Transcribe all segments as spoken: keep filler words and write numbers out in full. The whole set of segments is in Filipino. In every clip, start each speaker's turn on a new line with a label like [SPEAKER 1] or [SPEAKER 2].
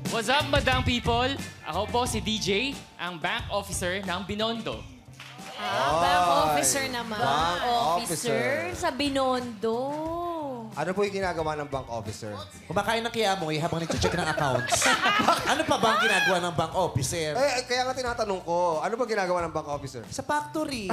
[SPEAKER 1] What's up, madang people? Ako po si D J, ang bank officer ng Binondo.
[SPEAKER 2] Ah, bank officer naman.
[SPEAKER 3] Bank
[SPEAKER 2] officer.
[SPEAKER 3] officer.
[SPEAKER 2] Sa Binondo.
[SPEAKER 3] Ano po yung ginagawa ng bank officer?
[SPEAKER 4] Kumakain ng kiyamoy habang nag-check ng accounts. Ano pa ba ang ginagawa ng bank officer?
[SPEAKER 3] Eh, kaya nga tinatanong ko, ano ba ginagawa ng bank officer?
[SPEAKER 4] Sa factory.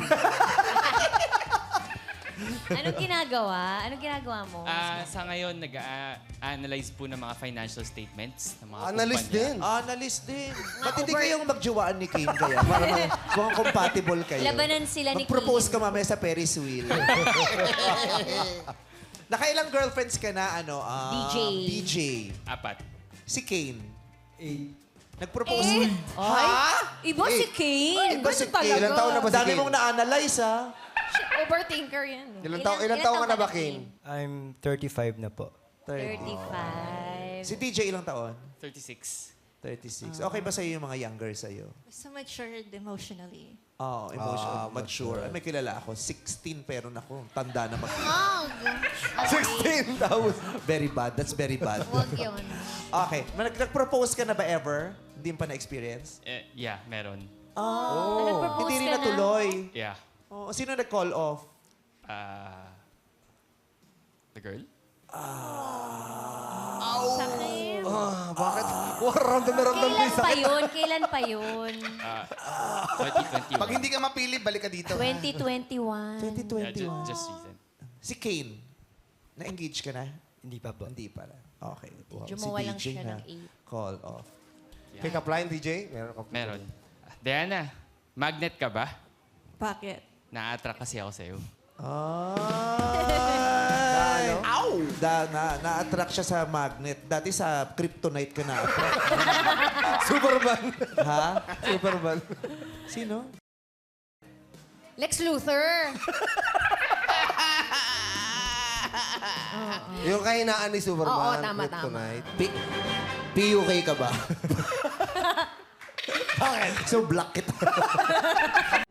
[SPEAKER 2] Anong ginagawa? Anong ginagawa mo?
[SPEAKER 1] Ah, sa ngayon, nag-analyze po ng mga financial statements ng mga
[SPEAKER 3] Analyst
[SPEAKER 1] kumpanya.
[SPEAKER 3] din.
[SPEAKER 4] Analyst din. Ba't hindi kayong magjiwaan ni Kane kaya? Para ma- mukhang compatible kayo.
[SPEAKER 2] Labanan sila ni
[SPEAKER 4] Mag-propose
[SPEAKER 2] Kane.
[SPEAKER 4] ka mamaya sa Ferris wheel. Nakailang girlfriends ka na, ano? ah,
[SPEAKER 2] D J.
[SPEAKER 4] D J.
[SPEAKER 1] Apat.
[SPEAKER 4] Si Kane. Nag-propose.
[SPEAKER 2] Eh,
[SPEAKER 4] Ha?
[SPEAKER 2] Iba si Kane.
[SPEAKER 4] Iba si Kane.
[SPEAKER 3] Ilang taon na ba si
[SPEAKER 4] Dami
[SPEAKER 3] Kane?
[SPEAKER 4] mong na-analyze, ha?
[SPEAKER 5] Overthinker yan.
[SPEAKER 3] Ilang,
[SPEAKER 2] Ilan-
[SPEAKER 3] taon, ilang
[SPEAKER 2] ilan
[SPEAKER 3] taon ka
[SPEAKER 2] taon
[SPEAKER 3] na
[SPEAKER 2] ka
[SPEAKER 3] ba,
[SPEAKER 2] na,
[SPEAKER 3] Kane?
[SPEAKER 6] I'm thirty-five na po.
[SPEAKER 2] thirty-five.
[SPEAKER 4] Si D J ilang taon?
[SPEAKER 1] thirty-six.
[SPEAKER 4] thirty-six. Okay ba sa'yo yung mga younger sa'yo?
[SPEAKER 5] So matured emotionally.
[SPEAKER 4] Oo, oh, emotional,
[SPEAKER 3] Ah,
[SPEAKER 4] mature. Ay, may kilala ako. sixteen pero naku, tanda na mag...
[SPEAKER 3] sixteen thousand.
[SPEAKER 4] Very bad. That's very bad.
[SPEAKER 2] Huwag yun.
[SPEAKER 4] Okay. Nag- Nag-propose ka na ba ever? Hindi mo pa na-experience?
[SPEAKER 1] Eh, yeah, meron.
[SPEAKER 4] Oh.
[SPEAKER 2] Nag-propose
[SPEAKER 4] Hindi rin
[SPEAKER 2] ka na?
[SPEAKER 4] natuloy.
[SPEAKER 1] Yeah.
[SPEAKER 4] Oh, sino nag-call off?
[SPEAKER 1] Ah... the girl?
[SPEAKER 2] Sakit.
[SPEAKER 3] Ah, bakit? Wow, ramdam na ramdam ko
[SPEAKER 2] Kailan
[SPEAKER 3] yung
[SPEAKER 2] pa
[SPEAKER 3] sakit.
[SPEAKER 2] yun? Kailan pa yun?
[SPEAKER 1] Ah, twenty twenty-one.
[SPEAKER 7] Pag hindi ka mapili, balik ka dito.
[SPEAKER 2] twenty twenty-one.
[SPEAKER 4] twenty
[SPEAKER 1] Yeah,
[SPEAKER 4] twenty-one.
[SPEAKER 1] ju- just recent.
[SPEAKER 4] Si Kane, na-engage ka na?
[SPEAKER 6] Hindi pa po.
[SPEAKER 4] Hindi pa. Okay. Wow.
[SPEAKER 2] Jumawa lang
[SPEAKER 4] si D J
[SPEAKER 2] siya
[SPEAKER 4] na
[SPEAKER 2] ng eight.
[SPEAKER 4] call off.
[SPEAKER 3] Pick up line, D J? Meron ka
[SPEAKER 1] Meron. Diana, magnet ka ba?
[SPEAKER 5] Bakit?
[SPEAKER 1] Na-attract kasi ako sa'yo.
[SPEAKER 4] Ay! Ow! Da, na, na-attract siya sa magnet. Dati sa kryptonite ka na-attract.
[SPEAKER 3] Superman.
[SPEAKER 4] ha?
[SPEAKER 3] Superman.
[SPEAKER 4] Sino?
[SPEAKER 2] Lex Luthor.
[SPEAKER 3] Yung kahinaan ni Superman.
[SPEAKER 2] Oo, tama,
[SPEAKER 3] Kryptonite.
[SPEAKER 4] P- P-U-K ka ba? Bakit? So black kita.